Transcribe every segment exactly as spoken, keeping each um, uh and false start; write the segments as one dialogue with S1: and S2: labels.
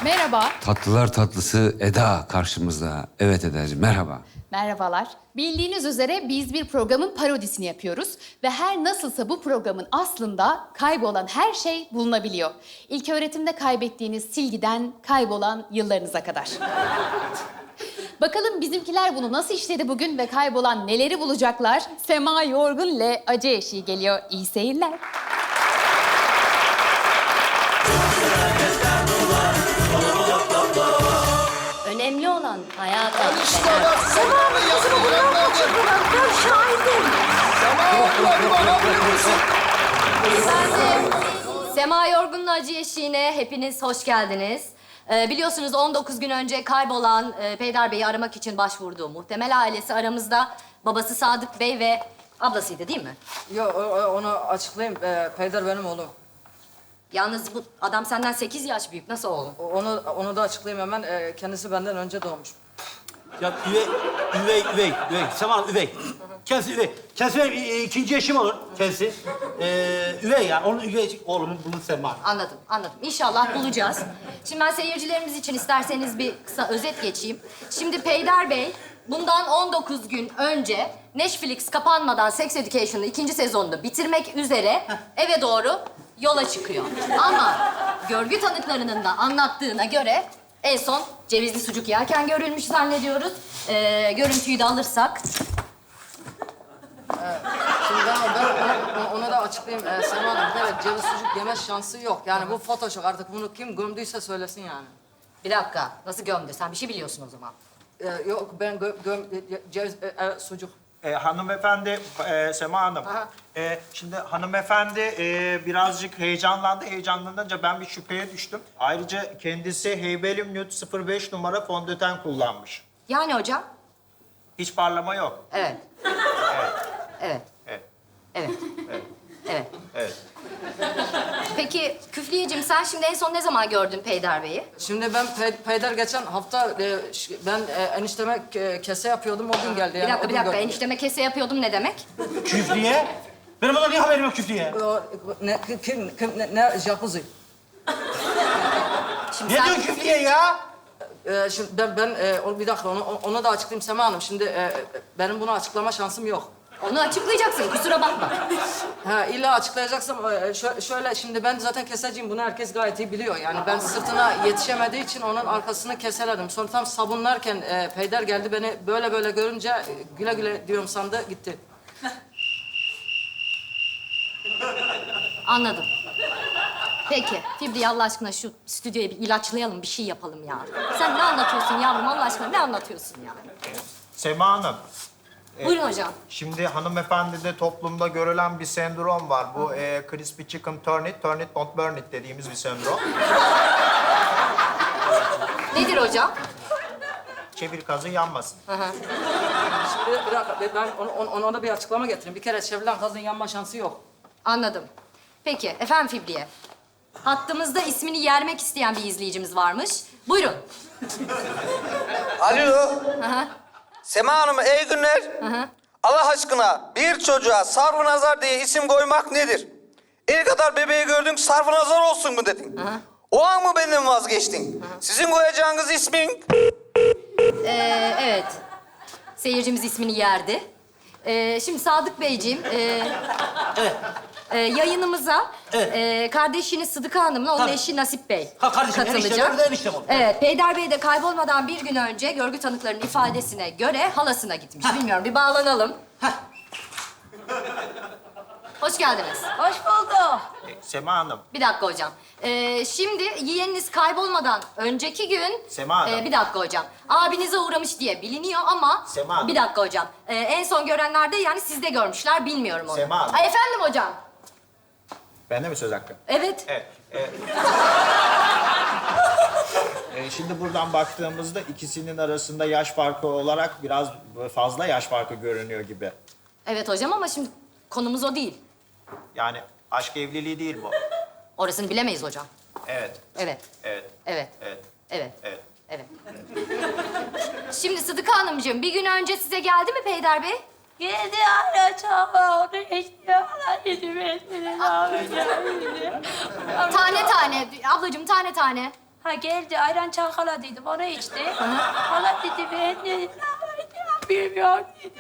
S1: Merhaba.
S2: Tatlılar tatlısı Eda karşımızda. Evet Eda'cığım, merhaba.
S1: Merhabalar. Bildiğiniz üzere biz bir programın parodisini yapıyoruz ve her nasılsa bu programın aslında kaybolan her şey bulunabiliyor. İlk öğretimde kaybettiğiniz silgiden kaybolan yıllarınıza kadar. Bakalım bizimkiler bunu nasıl işledi bugün ve kaybolan neleri bulacaklar? Sema Yorgun ile Acı Eşiği geliyor. İyi seyirler.
S3: Önemli olan hayata.
S4: İşte bak, Sema'nın yanına kaçırdılar. Ben şahidim. Sema'nın bakabilir misin?
S3: Efendim, Sema Yorgun'la Acı Eşiği'ne hepiniz hoş geldiniz. Ee, biliyorsunuz on dokuz gün önce kaybolan e, Peyder Bey'i aramak için başvurduğu muhtemel ailesi aramızda. Babası Sadık Bey ve ablasıydı değil mi?
S5: Yo, o- o- onu açıklayayım. Ee, Peyder benim oğlum.
S3: Yalnız bu adam senden sekiz yaş büyük. Nasıl oğlum?
S5: O- Onu onu da açıklayayım hemen. Ee, kendisi benden önce doğmuş.
S6: Ya üvey, üvey, üvey, üvey. Sema Hanım üvey. Kendisi üvey. Kendisi benim e, ikinci eşim olur kendisi. Ee, üvey ya. Onun üvey oğlumun bunun Sema Hanım.
S3: Anladım, anladım. İnşallah bulacağız. Şimdi ben seyircilerimiz için isterseniz bir kısa özet geçeyim. Şimdi Peyder Bey bundan on dokuz gün önce Netflix kapanmadan Sex Education'ın ikinci sezonunu bitirmek üzere eve doğru yola çıkıyor. Ama görgü tanıklarının da anlattığına göre en son cevizli sucuk yerken görülmüş zannediyoruz. Ee, görüntüyü de alırsak.
S5: Şimdi ben, ben onu, onu da açıklayayım. Ee, Sema Hanım, evet ceviz sucuk yeme şansı yok. Yani bu Photoshop. Artık bunu kim gömdüyse söylesin yani.
S3: Bir dakika, nasıl gömdü? Sen bir şey biliyorsun o zaman.
S5: Ee, yok ben gö, göm... Ceviz... E, e, sucuk.
S7: E, hanımefendi, e, Sema Hanım.
S5: Aha.
S7: E, şimdi hanımefendi e, birazcık heyecanlandı. Heyecanlanınca ben bir şüpheye düştüm. Ayrıca kendisi Heybelium Nude sıfır beş numara fondöten kullanmış.
S3: Yani hocam?
S7: Hiç parlama yok.
S3: Evet. Evet.
S7: Evet,
S3: Evet. Evet.
S7: evet.
S3: Peki Küfliyeciğim sen şimdi en son ne zaman gördün Peyder Bey'i?
S5: Şimdi ben Pe- Peyder geçen hafta e, ş- ben e, enişteme ke- kese yapıyordum. O gün geldi.
S3: Bir
S5: Yani,
S3: dakika
S5: o
S3: bir
S5: gün
S3: dakika
S5: gördüm.
S3: enişteme kese yapıyordum ne demek?
S6: Küfriye. Benim ondan niye haberim yok küfriye?
S5: O, ne, kim, kim, ne, ne, jacuzzi.
S3: Şimdi
S6: Ne
S3: sen...
S6: diyorsun küfriye ya?
S5: Ee, şimdi ben, ben e, o- bir dakika onu, onu da açıklayayım Sema Hanım. Şimdi e, benim bunu açıklama şansım yok.
S3: Onu açıklayacaksın kusura bakma.
S5: Ha, illa açıklayacaksam e, şö- şöyle şimdi ben zaten keseciyim. Bunu herkes gayet iyi biliyor. Yani ben sırtına yetişemediği için onun arkasını keseledim. Sonra tam sabunlarken e, Peyder geldi beni böyle böyle görünce e, güle güle diyorum sandı gitti.
S3: Anladım. Peki Fibri Allah aşkına şu stüdyoyu bir ilaçlayalım bir şey yapalım ya. Sen ne anlatıyorsun yavrum Allah aşkına ne anlatıyorsun ya?
S7: Sema Hanım,
S3: Buyurun hocam.
S7: şimdi hanımefendide toplumda görülen bir sendrom var. Bu e, crispy chicken turn it, turn it don't burn it dediğimiz bir sendrom.
S3: Nedir hocam?
S7: Çevir kazı yanmasın.
S5: Şimdi bir dakika ben onu, onu- ona da bir açıklama getireyim. Bir kere çevrilen kazın yanma şansı yok.
S3: Anladım. Peki efendim Fibriye. Hattımızda ismini yermek isteyen bir izleyicimiz varmış. Buyurun.
S8: Alo.
S3: Aha.
S8: Sema Hanım iyi günler.
S3: Aha.
S8: Allah aşkına bir çocuğa Sarfınazar diye isim koymak nedir? El kadar bebeği gördün Sarfınazar olsun mu dedin?
S3: Aha.
S8: O an mı benden vazgeçtin? Sizin koyacağınız ismin...
S3: Ee, evet. Seyircimiz ismini yerdi. Ee, şimdi Sadık Beyciğim, e,
S6: Evet.
S3: e, yayınımıza
S6: Evet.
S3: e, kardeşiniz Sıdıka Hanım'la onun
S6: Tabii.
S3: eşi Nasip Bey
S6: Ha, kardeşim,
S3: katılacak.
S6: eniştem, öyle de eniştem oldu.
S3: Evet, Peyder Bey de kaybolmadan bir gün önce görgü tanıklarının ifadesine göre halasına gitmiş. Bilmiyorum, bir bağlanalım. Hoş geldiniz.
S4: Hoş bulduk.
S7: E, Sema Hanım,
S3: Bir dakika hocam. Ee, şimdi yeğeniniz kaybolmadan önceki gün...
S7: Sema Hanım.
S3: Ee, bir dakika hocam. Abinize uğramış diye biliniyor ama...
S7: Sema Hanım.
S3: Bir dakika hocam. Ee, en son görenler de yani sizde görmüşler. Bilmiyorum onu.
S7: Sema Hanım.
S3: Ay, efendim hocam.
S7: bende mi söz hakkı?
S3: Evet.
S7: Evet. e, e, şimdi buradan baktığımızda ikisinin arasında yaş farkı olarak biraz fazla yaş farkı görünüyor gibi.
S3: Evet hocam ama şimdi konumuz o değil.
S7: Yani aşk evliliği değil bu.
S3: Orasını bilemeyiz hocam.
S7: Evet,
S3: Evet.
S7: evet,
S3: Evet.
S7: evet,
S3: Evet.
S7: evet.
S3: Evet. Şimdi Sıdıka Hanımcığım bir gün önce size geldi mi Peyder Bey?
S4: Geldi hala çağırdı. İşte hala yedim etmedi.
S3: Tane tane. Ablacığım tane tane.
S9: Ha geldi ayran çalkaladıydım onu içti. Hala dedi ben de bilmiyorum dedi.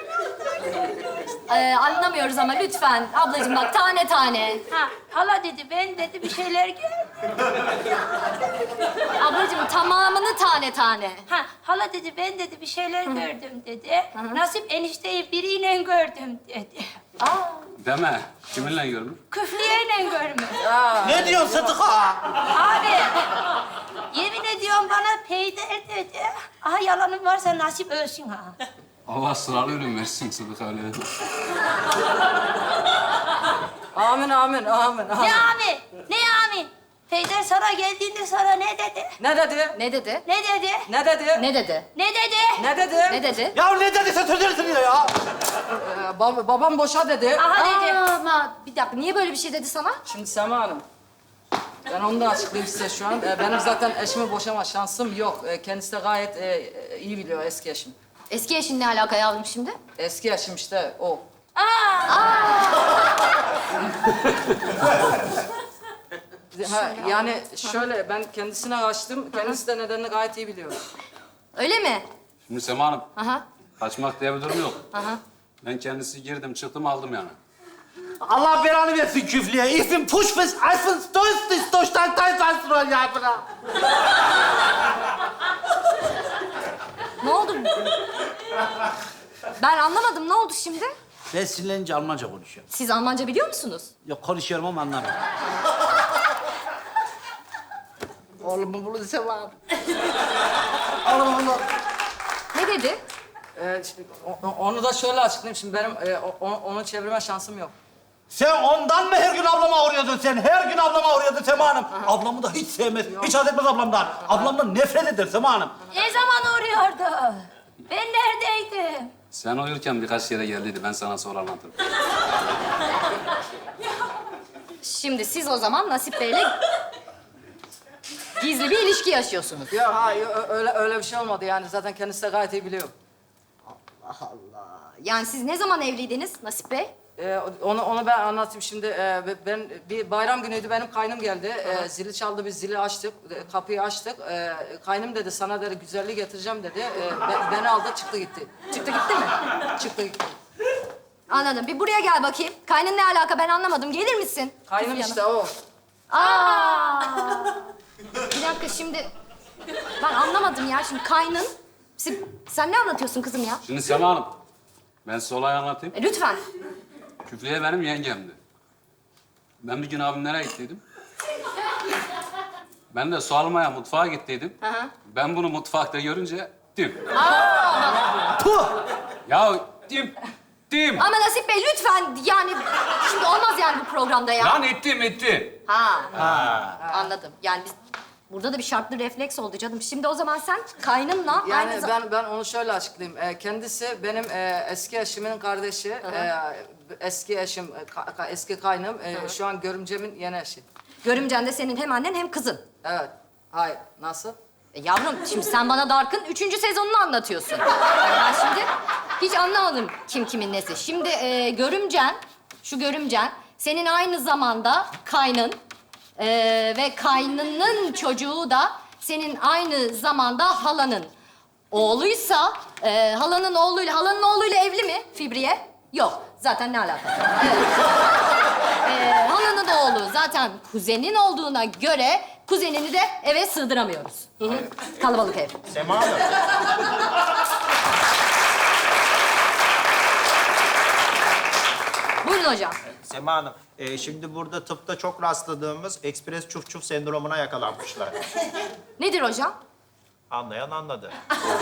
S3: Ee, anlamıyoruz ama lütfen ablacığım bak tane tane.
S9: Ha hala dedi ben dedi bir şeyler gördüm.
S3: Ablacığım tamamını tane tane.
S9: Ha hala dedi ben dedi bir şeyler gördüm dedi. Nasip enişteyi biriyle gördüm dedi.
S2: Deme. Kiminle görmüş?
S9: Küflüyeyle görmüş.
S6: Ne diyorsun Sıdıka?
S9: Abi yemin ediyorum bana peyder dedi. Aha yalanım varsa nasip ölsün ha.
S2: Allah sıralı ölüm versin Sıdık öyle.
S5: Amin, amin, amin, amin.
S9: Ne amin? Ne amin? Peyder sana geldiğinde sana ne dedi?
S5: Ne dedi?
S3: Ne dedi?
S9: Ne dedi?
S5: Ne dedi?
S3: Ne dedi?
S9: Ne dedi?
S5: Ne dedi?
S3: Ne dedi?
S6: Ya ne dediyse söylersin ya ya.
S5: Ee, bab- babam boşa dedi.
S9: Aha dedi.
S3: Aa, ama bir dakika niye böyle bir şey dedi sana?
S5: Şimdi Sema Hanım, ben onu da açıklayayım size şu an. Ee, benim zaten eşimi boşama şansım yok. Ee, kendisi de gayet e, iyi biliyor eski eşim.
S3: Eski eşin ne alaka yavrum şimdi?
S5: Eski eşim işte o. Ha, yani şöyle, ben kendisine kaçtım. Kendisi de nedenini gayet iyi biliyor.
S3: Öyle mi?
S2: Şimdi Sema Hanım,
S3: Aha.
S2: kaçmak diye bir durum yok.
S3: Aha.
S2: Ben kendisi girdim, çıktım, aldım yani.
S6: Allah belanı versin küflüye. Ich bin Pushfish, ich bin Stoistis, Dostan, Taysansrol ya bırak.
S3: Ne oldu? Ben anlamadım. Ne oldu şimdi?
S6: Ben sinirlenince Almanca konuşuyorum.
S3: Siz Almanca biliyor musunuz?
S6: Yok konuşuyorum ama anlamıyorum. Oğlum bunu Sema. Oğlum bunu.
S3: Ne dedi?
S5: Ee, şimdi o- o- onu da şöyle açıklayayım. Şimdi benim e, o- o- onu çevirme şansım yok.
S6: Sen ondan mı her gün ablama uğruyordun sen? Her gün ablama uğruyordun Sema Hanım. Ablamı da hiç sevmez, hiç haz etmez ablamdan. Ablamdan nefret eder Sema Hanım.
S9: Ne zaman uğruyordu? Ben neredeydim?
S2: Sen uyurken birkaç yere geldiydi, ben sana sonra anlatırım.
S3: Şimdi siz o zaman Nasip Bey'le gizli bir ilişki yaşıyorsunuz.
S5: Ya hayır, ö- öyle öyle bir şey olmadı yani. Zaten kendisi de gayet iyi biliyor.
S3: Yani siz ne zaman evliydiniz Nasip Bey?
S5: Ee, onu onu ben anlatayım şimdi. Ee, ben bir bayram günüydü, benim kaynım geldi. Ee, zili çaldı, biz zili açtık, e, kapıyı açtık. Ee, kaynım dedi, sana dedi güzelliği getireceğim dedi. Ee, be- beni aldı, çıktı gitti.
S3: Çıktı gitti mi?
S5: Çıktı gitti.
S3: Anladım. Bir buraya gel bakayım. Kaynın ne alaka ben anlamadım. Gelir misin?
S5: Kaynım
S3: Kızım
S5: işte o.
S3: Aa! Bir dakika şimdi... Ben anlamadım ya. Şimdi kaynın... Siz- Sen ne anlatıyorsun kızım ya?
S2: Şimdi Sema Hanım, ben size olayı anlatayım.
S3: E, lütfen.
S2: Küflüye benim yengemdi. Ben bir gün abimlere gittiydim. Ben de su almaya mutfağa gittiydim.
S3: Aha.
S2: Ben bunu mutfakta görünce dim. Puh! Ya dim, dim.
S3: Ama Nasip Bey lütfen yani... Şimdi olmaz yani bu programda ya.
S2: Lan ettim, etti.
S3: Ha. Anladım. Yani biz... Burada da bir şartlı refleks oldu canım. Şimdi o zaman sen kaynınla
S5: Yani
S3: aynı zamanda...
S5: ben ben onu şöyle açıklayayım. Ee, kendisi benim e, eski eşimin kardeşi. Ee, eski eşim, e, ka- ka- eski kaynım. e, şu an görümcemin yeni eşi.
S3: Görümcen de senin hem annen hem kızın.
S5: Evet. Hayır. Nasıl?
S3: E yavrum şimdi sen bana Dark'ın üçüncü sezonunu anlatıyorsun. Ben şimdi hiç anlamadım kim kimin nesi. Şimdi e, görümcen, şu görümcen senin aynı zamanda kaynın e, ve kaynının çocuğu da senin aynı zamanda halanın oğluysa e, halanın oğluyla halanın oğluyla evli mi Fibriye? Yok. Zaten ne alaka? Evet. E, halanın oğlu zaten kuzenin olduğuna göre kuzenini de eve sığdıramıyoruz. Hı hı. Kalabalık ev.
S7: Sema Hanım.
S3: Buyurun hocam.
S7: Sema Hanım, e, şimdi burada tıpta çok rastladığımız ekspres çuf çuf sendromuna yakalanmışlar.
S3: Nedir hocam?
S7: Anlayan anladı.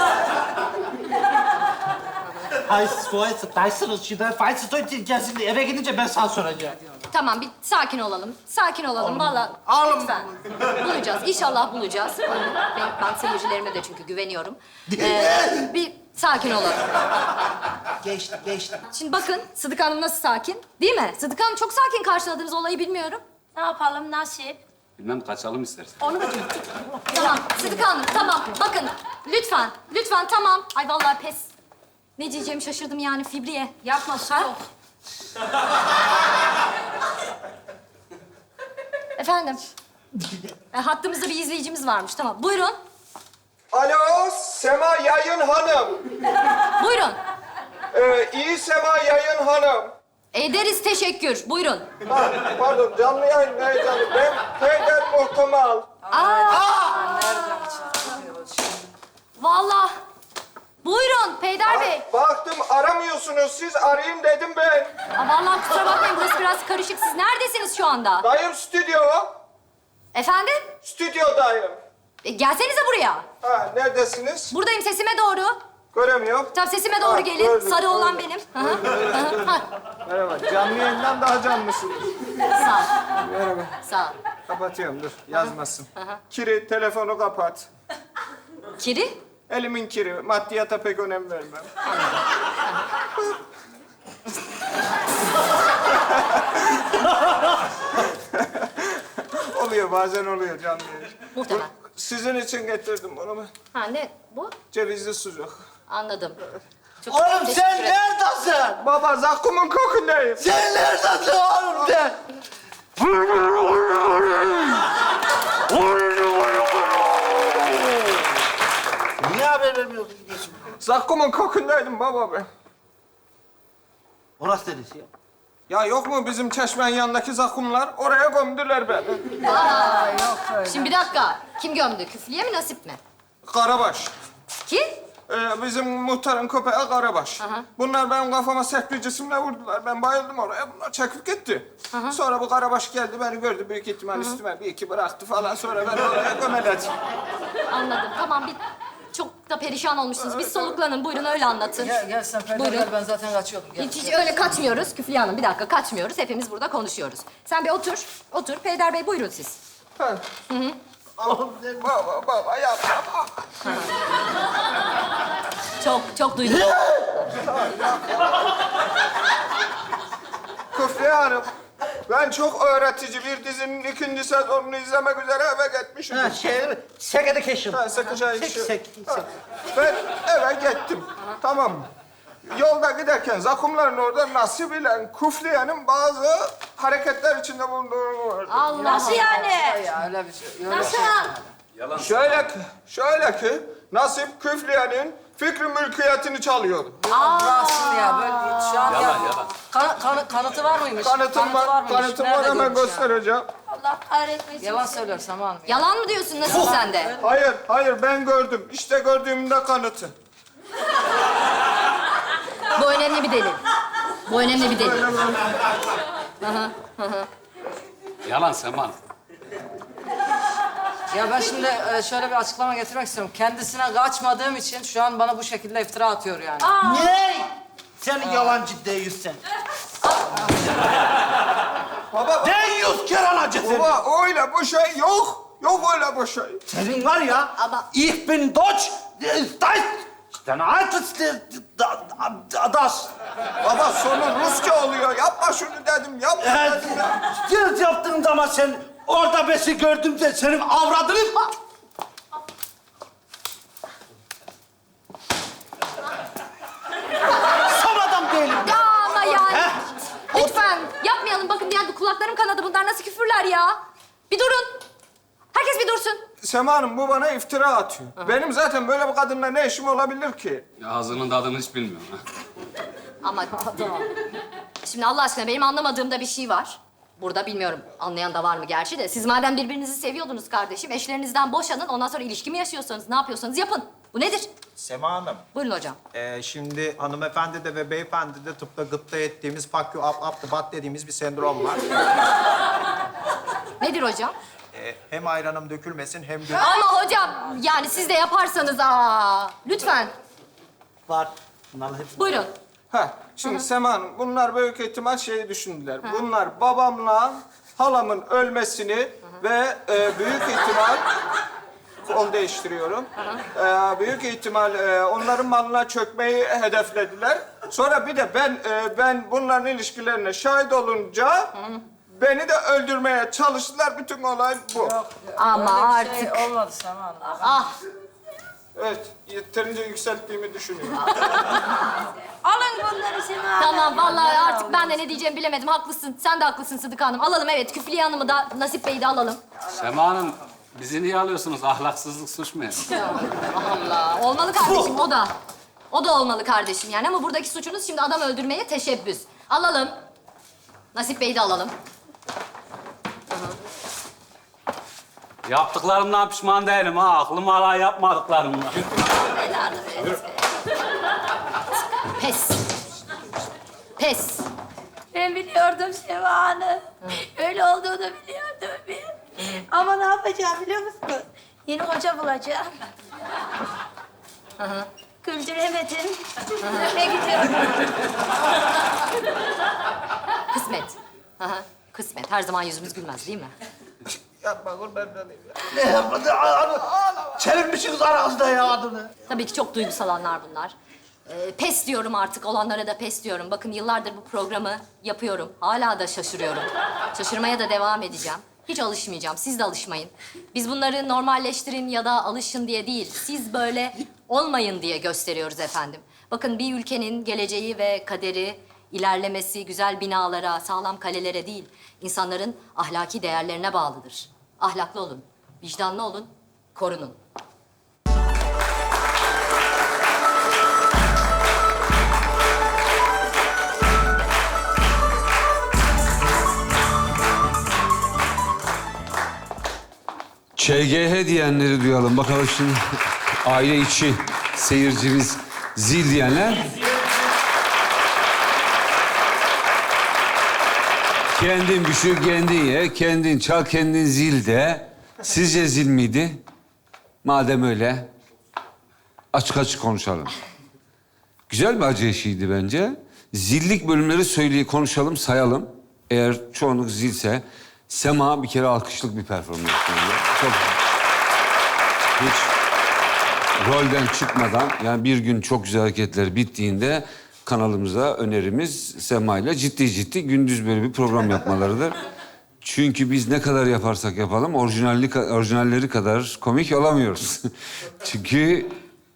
S6: Ay, Stoistis, Taysansrol, şimdi Taysansrol gelsin eve gidince ben sana soracağım.
S3: Tamam bir sakin olalım. Sakin olalım vallahi.
S6: Oğlum.
S3: Lütfen. Bulacağız. İnşallah bulacağız. Ben, ben seyircilerime de çünkü güveniyorum. Ee, bir sakin olalım.
S6: Geçti, geçti.
S3: Şimdi bakın Sıdık Hanım nasıl sakin? Değil mi? Sıdık Hanım çok sakin karşıladığınız olayı bilmiyorum.
S9: Ne yapalım Nasip?
S2: Bilmem kaçalım istersen.
S3: Onu da Tamam Sıdık Hanım tamam. Bakın lütfen. Lütfen tamam. Ay vallahi pes. Ne diyeceğimi şaşırdım yani Fibriye.
S9: Yapma soğuk.
S3: Efendim? E, hattımızda bir izleyicimiz varmış. Tamam. Buyurun.
S10: Alo, Sema Yayın Hanım.
S3: Buyurun.
S10: Ee, iyi Sema Yayın Hanım.
S3: Ederiz teşekkür. Buyurun.
S10: Ha, pardon, canlı yayın ne canlı? Ben Peyder Muhtemal.
S5: Nereden çıkıyor şimdi?
S3: Vallahi. Buyurun Peyder Bey.
S10: Baktım aramıyorsunuz siz, arayayım dedim ben.
S3: Aa, vallahi kusura bakmayın burası biraz karışık. Siz neredesiniz şu anda?
S10: Dayım stüdyo.
S3: Efendim?
S10: Stüdyodayım.
S3: E, gelsenize buraya.
S10: Ha, neredesiniz?
S3: Buradayım sesime doğru.
S10: Göremiyorum.
S3: Tabii sesime doğru
S10: Ha,
S3: gelin.
S10: gördüm,
S3: Sarı olan
S10: gördüm.
S3: benim. Hı hı, hı hı. Ha,
S10: Merhaba, canlı yayından daha canlısınız.
S3: Sağ ol.
S10: Merhaba.
S3: Sağ ol.
S10: Kapatıyorum, dur, yazmasın. Kiri, telefonu kapat.
S3: Kiri?
S10: Elimin kiri, maddiyata pek önem vermem. Oluyor, bazen oluyor canlı yayın.
S3: Muhtemelen.
S10: Sizin için getirdim bunu ben.
S3: Ha ne bu?
S10: Cevizli sucuk.
S3: Anladım. Çok
S6: Oğlum
S3: teşekkür
S6: sen
S3: ederim.
S6: neredesin?
S10: Baba, zakkumun kokundayım.
S6: Sen neredesin oğlum sen? Niye haber vermiyorsun?
S10: Zakkumun kokundaydım baba ben.
S6: Orası neresi ya?
S10: Ya yok mu bizim çeşmenin yanındaki zakkumlar? Oraya gömdüler beni.
S3: Şimdi bir dakika. Kim gömdü? Küflüye mi Nasip mi?
S10: Karabaş.
S3: Kim?
S10: Ee, bizim muhtarın köpeği Karabaş.
S3: Aha.
S10: Bunlar benim kafama sert bir cisimle vurdular. Ben bayıldım oraya. Bunlar çekip gitti. Sonra bu Karabaş geldi, beni gördü. Büyük ihtimal üstüme bir iki bıraktı falan. Sonra ben oraya gömeledi.
S3: Anladım. Tamam bir çok da perişan olmuşsunuz. Bir soluklanın. Buyurun öyle anlatın.
S5: Gel, gel sen Peyder
S3: Buyurun.
S5: gel. Ben zaten kaçıyordum. Gel.
S3: Hiç, hiç öyle kaçmıyoruz Küflüye Hanım. Bir dakika kaçmıyoruz. Hepimiz burada konuşuyoruz. Sen bir otur. Otur. Peyder Bey buyurun siz.
S10: Ha. Baba, baba yapma.
S3: Çok çok duydum.
S10: Küfriye Hanım, ben çok öğretici bir dizinin ikinci sezonunu izlemek üzere eve gitmişim.
S6: Ha şey, Sex Education.
S10: Ha, sıkıca
S6: Sek,
S10: işi.
S6: sek,
S10: Ha,
S6: sek.
S10: Ben eve gittim. Tamam mı? Yolda giderken zakkumların orada Nasip ile Kufliye'nin bazı hareketler içinde bulunduğunu gördüm.
S3: Allah
S9: Nasıl yani?
S5: Ya öyle bir şey. Öyle
S9: Nasıl?
S2: Yalan.
S10: Şöyle ki, şöyle ki Nasip Küfliye'nin fikri mülkiyetini çalıyordu.
S5: Bıraksın ya. Böyle şu an
S2: Yalan,
S5: ya.
S2: yalan.
S5: Kan, kan, kanıtı var mıymış?
S10: Kanıtım var,
S5: mıymış?
S10: kanıtım var,
S5: Nerede
S10: hemen
S5: görmüş ya?
S10: göstereceğim.
S9: Allah kahretmesin.
S5: Yalan söylüyorsun Sema Hanım.
S3: Yalan mı diyorsun Nasip sen de?
S10: Hayır, hayır ben gördüm. İşte gördüğümün de kanıtı.
S3: Bu önemli bir delil. Bu önemli bir delil.
S2: Yalan Sema.
S5: Ya ben şimdi e, şöyle bir açıklama getirmek istiyorum. Kendisine kaçmadığım için şu an bana bu şekilde iftira atıyor yani.
S6: Ne? Sen yalancı değilsin.
S10: Baba,
S6: Den yüz kere anacı seni.
S10: baba öyle bu şey yok. Yok öyle bu şey.
S6: Senin var ya,
S3: Ama-
S6: ich bin Deutsch, Deutsch, dein altes, das.
S10: Baba sonu Rusça oluyor. Yapma şunu dedim, yapma
S6: Evet,
S10: dedim ya.
S6: yıl yaptığın zaman sen orada besi gördüm de senin avradını... Sam adam değilim.
S3: Ya ama yani.
S6: Heh.
S3: Lütfen yapmayalım. Bakın yani kulaklarım kanadı. Bunlar nasıl küfürler ya? Bir durun. Herkes bir dursun.
S10: Sema Hanım bu bana iftira atıyor. Benim zaten böyle bir kadınla ne işim olabilir ki?
S2: Ya ağzının tadını hiç bilmiyorum. Ha.
S3: Ama şimdi Allah aşkına benim anlamadığım da bir şey var. Burada bilmiyorum anlayan da var mı gerçi de. Siz madem birbirinizi seviyordunuz kardeşim, eşlerinizden boşanın. Ondan sonra ilişki mi yaşıyorsanız, ne yapıyorsanız yapın. Bu nedir?
S7: Sema Hanım,
S3: Buyurun hocam.
S7: e, şimdi hanımefendi de ve beyefendi de tıpta gıpta ettiğimiz fuck you up up the butt dediğimiz bir sendrom var.
S3: Nedir hocam?
S7: E, hem ayranım dökülmesin hem de...
S3: Ama hocam yani siz de yaparsanız aa lütfen.
S6: Var. Bunların hepsi.
S3: Buyurun.
S10: Ha, şimdi Sema Hanım bunlar büyük ihtimal şeyi düşündüler. Bunlar babamla halamın ölmesini ve e, büyük ihtimal kol değiştiriyorum. E, büyük ihtimal e, onların malına çökmeyi hedeflediler. Sonra bir de ben e, ben bunların ilişkilerine şahit olunca beni de öldürmeye çalıştılar. Bütün olay bu.
S3: Ama
S5: Öyle bir
S3: artık.
S5: şey olmadı Sema Hanım.
S3: Ah
S10: Evet, yeterince yükselttiğimi düşünüyorum.
S9: Alın bunları Sema Hanım.
S3: Tamam vallahi artık ben de ne diyeceğimi bilemedim. Haklısın. Sen de haklısın Sıdıka Hanım. Alalım evet. Küfliye Hanım'ı da Nasip Bey'i de alalım.
S2: Sema Hanım, bizi niye alıyorsunuz? Ahlaksızlık suç mu?
S3: Allah. Olmalı kardeşim o da. O da olmalı kardeşim yani ama buradaki suçunuz şimdi adam öldürmeye teşebbüs. Alalım. Nasip Bey'i de alalım.
S2: Yaptıklarımdan pişman değilim ha. Aklım hala yapmadıklarımdan.
S3: Pes. Pes.
S9: Ben biliyordum Sema Hanım. Öyle olduğunu biliyordum ben. Ama ne yapacağım biliyor musun? Yeni hoca bulacağım. Güldüremedim. Ne gidiyorum?
S3: Kısmet. Aha, kısmet. Her zaman yüzümüz gülmez değil mi?
S4: Yapma kurban olayım ya. Ne yapmadı? Çevirmişsiniz aranızda ya adını.
S3: Tabii ki çok duygusal anlar bunlar. Ee, pes diyorum artık, olanlara da pes diyorum. Bakın yıllardır bu programı yapıyorum. Hala da şaşırıyorum. Şaşırmaya da devam edeceğim. Hiç alışmayacağım, siz de alışmayın. Biz bunları normalleştirin ya da alışın diye değil, siz böyle olmayın diye gösteriyoruz efendim. Bakın bir ülkenin geleceği ve kaderi, ilerlemesi güzel binalara, sağlam kalelere değil, insanların ahlaki değerlerine bağlıdır. Ahlaklı olun, vicdanlı olun, korunun.
S11: Ç G H diyenleri duyalım. Bakalım şimdi aile içi seyircimiz zil diyenler. Kendin pişir, kendin ye, kendin çal, kendin zil de. Sizce zil miydi? Madem öyle, açık açık konuşalım. Güzel bir acı eşiğiydi bence. Zillik bölümleri söyleyip konuşalım, sayalım. Eğer çoğunluk zilse, Sema bir kere alkışlık bir performans yapıyor. Çok hiç rolden çıkmadan, yani bir gün çok güzel hareketler bittiğinde kanalımıza önerimiz Sema ile ciddi ciddi gündüz böyle bir program yapmalarıdır. Çünkü biz ne kadar yaparsak yapalım orijinallik, orijinalleri kadar komik olamıyoruz. Çünkü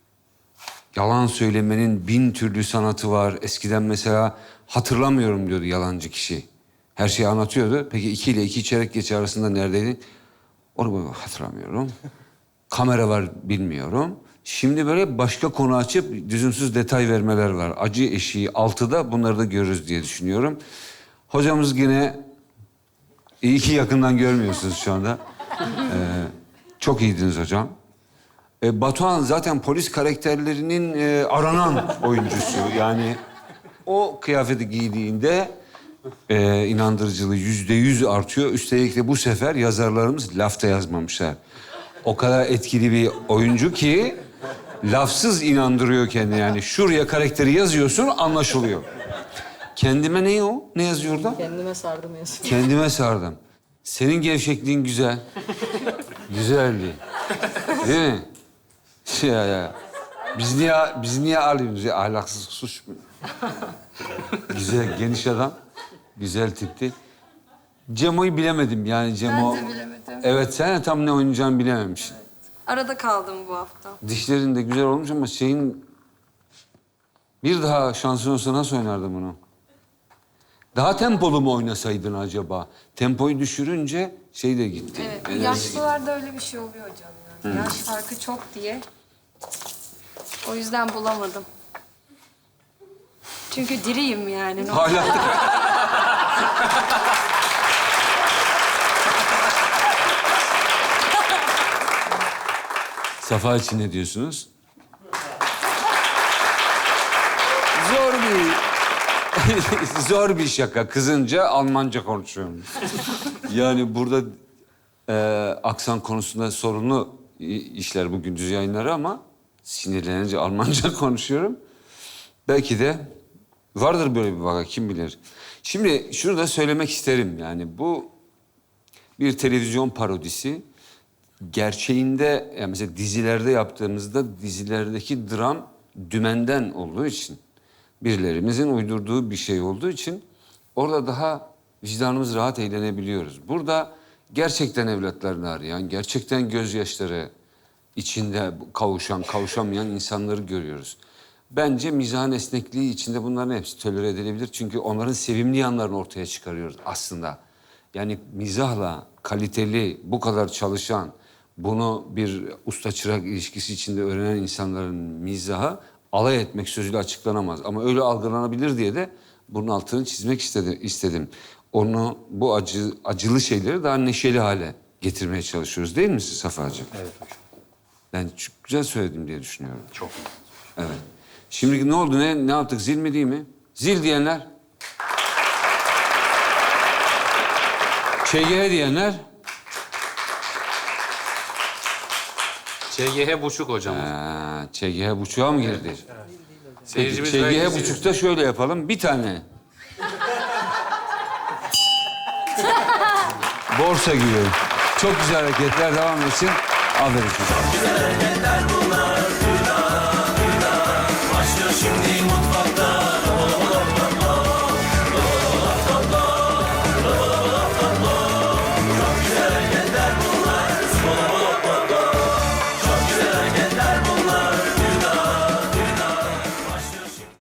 S11: yalan söylemenin bin türlü sanatı var. Eskiden mesela hatırlamıyorum diyordu yalancı kişi. Her şeyi anlatıyordu. Peki iki ile iki çeyrek geçe arasında neredeydin? Onu hatırlamıyorum. Kamera var bilmiyorum. Şimdi böyle başka konu açıp düzümsüz detay vermeler var. Acı eşiği altıda bunları da görürüz diye düşünüyorum. Hocamız yine iyi ki yakından görmüyorsunuz şu anda. Ee, çok iyiydiniz hocam. Ee, Batuhan zaten polis karakterlerinin e, aranan oyuncusu. Yani o kıyafeti giydiğinde e, inandırıcılığı yüzde yüz artıyor. Üstelik de bu sefer yazarlarımız lafta yazmamışlar. O kadar etkili bir oyuncu ki lafsız inandırıyor kendini. Yani şuraya karakteri yazıyorsun, anlaşılıyor. Kendime ne o? Ne yazıyor orada?
S5: Kendime sardım yazıyor.
S11: Kendime sardım. Senin gevşekliğin güzel. Güzeldi. Değil mi? Ya ya. Biz niye biz niye alıyoruz ya? Ahlaksız suç mu? Güzel, geniş adam. Güzel tipti. Cemo'yu bilemedim yani Cemo.
S12: Ben de bilemedim.
S11: Evet, sen de tam ne oynayacağını bilememişsin.
S12: Arada kaldım bu hafta.
S11: Dişlerin de güzel olmuş ama şeyin... Bir daha şansın olsa nasıl oynardın bunu? Daha tempolu mu oynasaydın acaba? Tempoyu düşürünce şey de gitti.
S12: Evet,
S11: enerji
S12: yaşlılarda öyle bir şey oluyor hocam yani.
S11: Hı.
S12: Yaş farkı çok diye. O yüzden bulamadım. Çünkü diriyim yani.
S11: Hala. Safa için ne diyorsunuz? Zor bir... Zor bir şaka. Kızınca Almanca konuşuyorum. Yani burada e, aksan konusunda sorunlu i- işler bu gündüz yayınları ama sinirlenince Almanca konuşuyorum. Belki de vardır böyle bir vaka, kim bilir. Şimdi şunu da söylemek isterim yani bu bir televizyon parodisi. Gerçeğinde yani mesela dizilerde yaptığımızda dizilerdeki dram dümenden olduğu için birilerimizin uydurduğu bir şey olduğu için orada daha vicdanımız rahat eğlenebiliyoruz. Burada gerçekten evlatlarını arayan, gerçekten gözyaşları içinde kavuşan, kavuşamayan insanları görüyoruz. Bence mizahın esnekliği içinde bunların hepsi tolere edilebilir. Çünkü onların sevimli yanlarını ortaya çıkarıyoruz aslında. Yani mizahla kaliteli, bu kadar çalışan, bunu bir usta çırak ilişkisi içinde öğrenen insanların mizahı alay etmek sözüyle açıklanamaz. Ama öyle algılanabilir diye de bunun altını çizmek istedi, istedim. Onu, bu acı, acılı şeyleri daha neşeli hale getirmeye çalışıyoruz değil mi siz Safa'cığım?
S6: Evet hocam.
S11: Ben çok güzel söyledim diye düşünüyorum. Çok iyi. Evet. Şimdi ne oldu? Ne, ne yaptık? Zil mi değil mi? Zil diyenler. Ç G H diyenler.
S2: Ç G H buçuk hocam.
S11: Ha, Ç G H buçuğa mı girdi? Peki,
S2: Seyircimiz
S11: Ç G H
S2: belki-
S11: buçukta şöyle yapalım. Bir tane. Borsa gibi. Çok güzel hareketler devam etsin. Aferin çocuklar.
S4: Başlıyor şimdi